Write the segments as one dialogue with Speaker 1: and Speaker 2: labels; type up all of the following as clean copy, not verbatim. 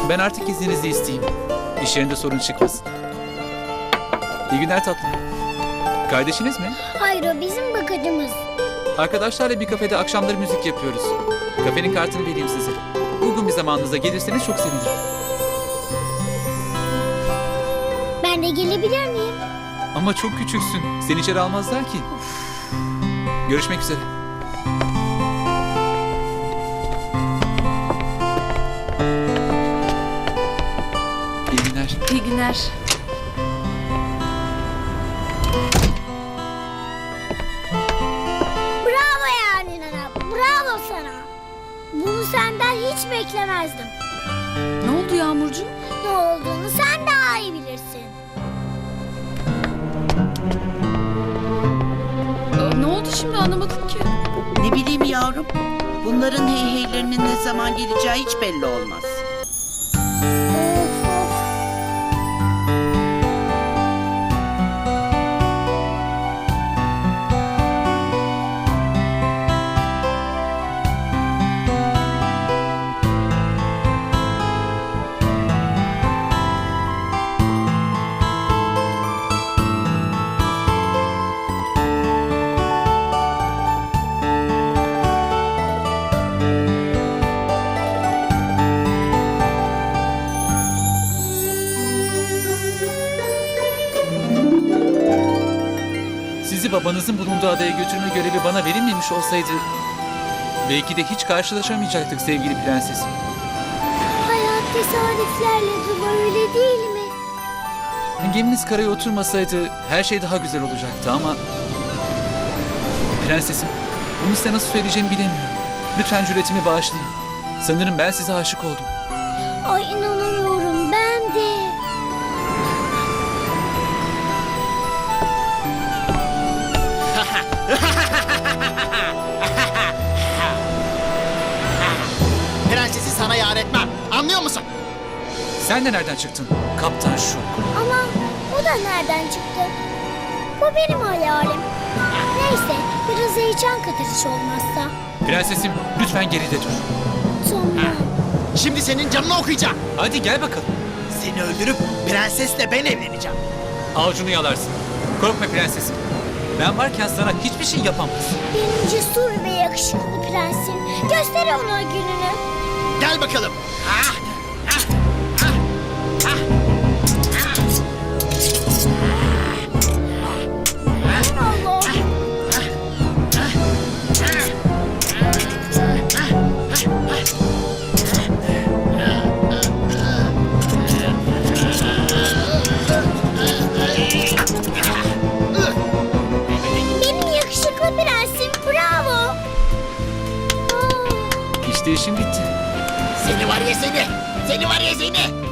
Speaker 1: Ben artık izninizi isteyeyim. İş yerinde sorun çıkmasın. İyi günler tatlım. Kardeşiniz mi?
Speaker 2: Hayır, o bizim bakıcımız.
Speaker 1: Arkadaşlarla bir kafede akşamları müzik yapıyoruz. Kafenin kartını vereyim size. Uygun bir zamanınıza gelirseniz çok sevinirim.
Speaker 2: Ben de gelebilir miyim?
Speaker 1: Ama çok küçüksün. Seni içeri almazlar ki. Görüşmek üzere. İyi günler.
Speaker 3: İyi günler.
Speaker 2: Bravo yani Nana, bravo sana. Bunu senden hiç beklemezdim.
Speaker 3: Ne oldu Yağmurcuğum?
Speaker 2: Ne olduğunu sen daha iyi bilirsin.
Speaker 3: Ne oldu şimdi anlamadım ki.
Speaker 4: Ne bileyim yavrum. Bunların heyheylerinin ne zaman geleceği hiç belli olmaz.
Speaker 2: Of of.
Speaker 1: Sizi babanızın bulunduğu adaya götürme görevi bana verilmemiş olsaydı... belki de hiç karşılaşamayacaktık sevgili prensesim.
Speaker 2: Hayat tesadüflerle dolu, öyle değil mi?
Speaker 1: Geminiz karaya oturmasaydı her şey daha güzel olacaktı ama... Prensesim, bunu size nasıl söyleyeceğimi bilemiyorum. Lütfen cüretimi bağışlayın. Sanırım ben size aşık oldum.
Speaker 2: Ay inanamıyorum, ben de.
Speaker 5: Prensesi sana yar etmem. Anlıyor musun?
Speaker 1: Sen de nereden çıktın? Kaptan şu.
Speaker 2: Ama o da nereden çıktı? Bu benim hayalim. Neyse, biraz heyecan katıcı olmazsa.
Speaker 1: Prensesim, lütfen geride dur.
Speaker 2: Sonra.
Speaker 5: Şimdi senin canını okuyacağım.
Speaker 1: Hadi gel bakalım.
Speaker 5: Seni öldürüp prensesle ben evleneceğim.
Speaker 1: Avucunu yalarsın. Korkma prensesim. Ben varken sana hiçbir şey yapamaz.
Speaker 2: Benim cesur ve yakışıklı prensim. Göster ona gününü.
Speaker 5: Gel bakalım.
Speaker 2: Allah. Benim yakışıklı prensim. Bravo. Aa.
Speaker 1: İşte işim bitti.
Speaker 5: Seni var ya seni. Seni var ya seni.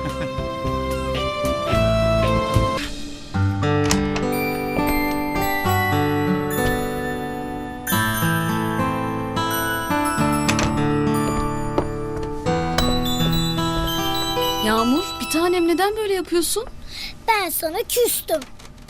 Speaker 3: Yağmur bir tanem neden böyle yapıyorsun?
Speaker 2: Ben sana küstüm.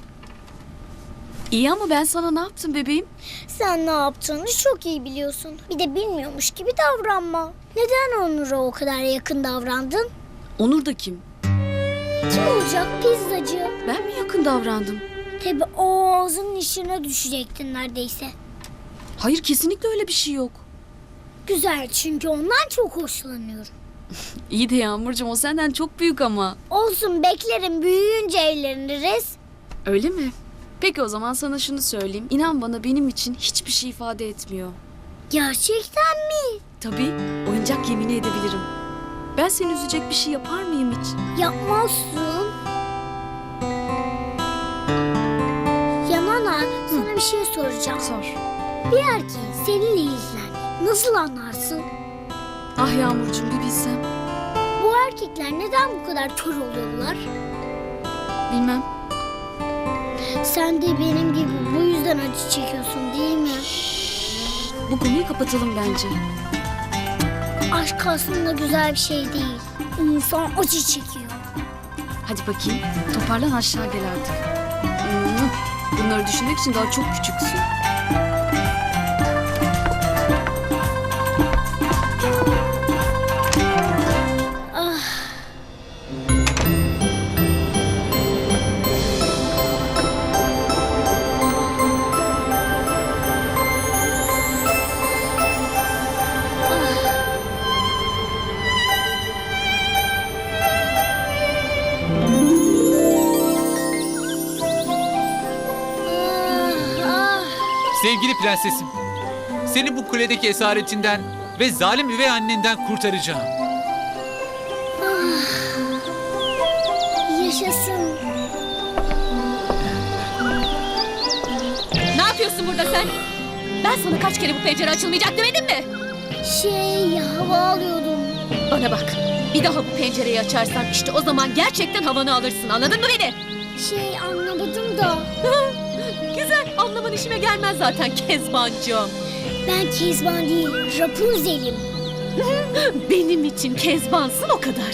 Speaker 3: İyi ama ben sana ne yaptım bebeğim?
Speaker 2: Sen ne yaptığını çok iyi biliyorsun. Bir de bilmiyormuş gibi davranma. Neden Onur'a o kadar yakın davrandın?
Speaker 3: Onur da kim?
Speaker 2: Kim olacak, pizzacı?
Speaker 3: Ben mi yakın davrandım?
Speaker 2: Tabii o ağzının içine düşecektin neredeyse.
Speaker 3: Hayır kesinlikle öyle bir şey yok.
Speaker 2: Güzel, çünkü ondan çok hoşlanıyorum.
Speaker 3: İyi de Yağmurcuğum o senden çok büyük ama.
Speaker 2: Olsun, beklerim, büyüyünce evleniriz.
Speaker 3: Öyle mi? Peki o zaman sana şunu söyleyeyim. İnan bana benim için hiçbir şey ifade etmiyor.
Speaker 2: Gerçekten mi?
Speaker 3: Tabii oyuncak yemin edebilirim. Ben seni üzecek bir şey yapar mıyım hiç?
Speaker 2: Yapmazsın. Ya Nana, sana bir şey soracağım.
Speaker 3: Sor.
Speaker 2: Bir erkeğin seninle ilgilendiğini nasıl anlarsın?
Speaker 3: Ah Yağmurcuğum bir bilsem.
Speaker 2: Bu erkekler neden bu kadar kör oluyorlar?
Speaker 3: Bilmem.
Speaker 2: Sen de benim gibi bu yüzden acı çekiyorsun değil mi?
Speaker 3: Bu konuyu kapatalım bence.
Speaker 2: Aşk aslında güzel bir şey değil. İnsan acı çekiyor.
Speaker 3: Hadi bakayım. Toparlan aşağı gel artık. Bunları düşünmek için daha çok küçüksün.
Speaker 2: Ah,
Speaker 1: Sevgili prensesim, seni bu kuledeki esaretinden ve zalim üvey annenden kurtaracağım.
Speaker 2: Yaşasın.
Speaker 6: Ne yapıyorsun burada sen? Ben sana kaç kere bu pencere açılmayacak demedim mi?
Speaker 2: Hava alıyordum.
Speaker 6: Bana bak. Bir daha bu pencereyi açarsan işte o zaman gerçekten havanı alırsın. Anladın mı beni?
Speaker 2: Anlamadım da.
Speaker 6: Güzel. Anlaman işime gelmez zaten Kezbancığım.
Speaker 2: Ben Kezban değil, Rapunzel'im.
Speaker 6: Benim için Kezbansın o kadar.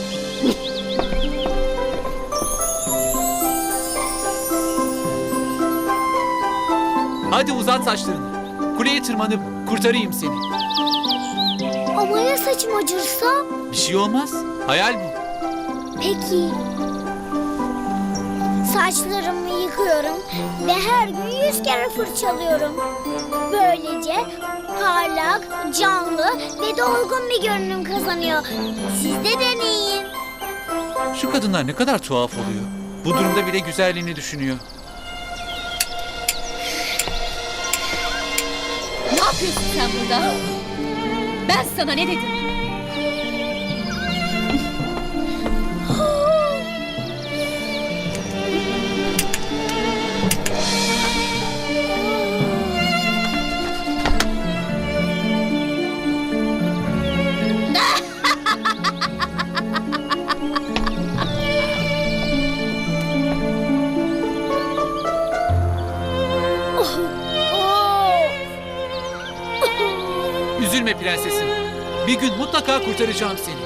Speaker 1: Hadi uzat saçlarını. Kuleye tırmanıp kurtarayım seni.
Speaker 2: Ama ya saçım acırsa?
Speaker 1: Bir şey olmaz. Hayal bu.
Speaker 2: Peki. Saçlarımı yıkıyorum ve her gün 100 kere fırçalıyorum. Böylece parlak, canlı ve dolgun bir görünüm kazanıyor. Siz de deneyin.
Speaker 1: Şu kadınlar ne kadar tuhaf oluyor. Bu durumda bile güzelliğini düşünüyor.
Speaker 6: Ne yapıyorsun sen burada? Ben sana ne dedim?
Speaker 1: Üzülme prensesim. Bir gün mutlaka kurtaracağım seni.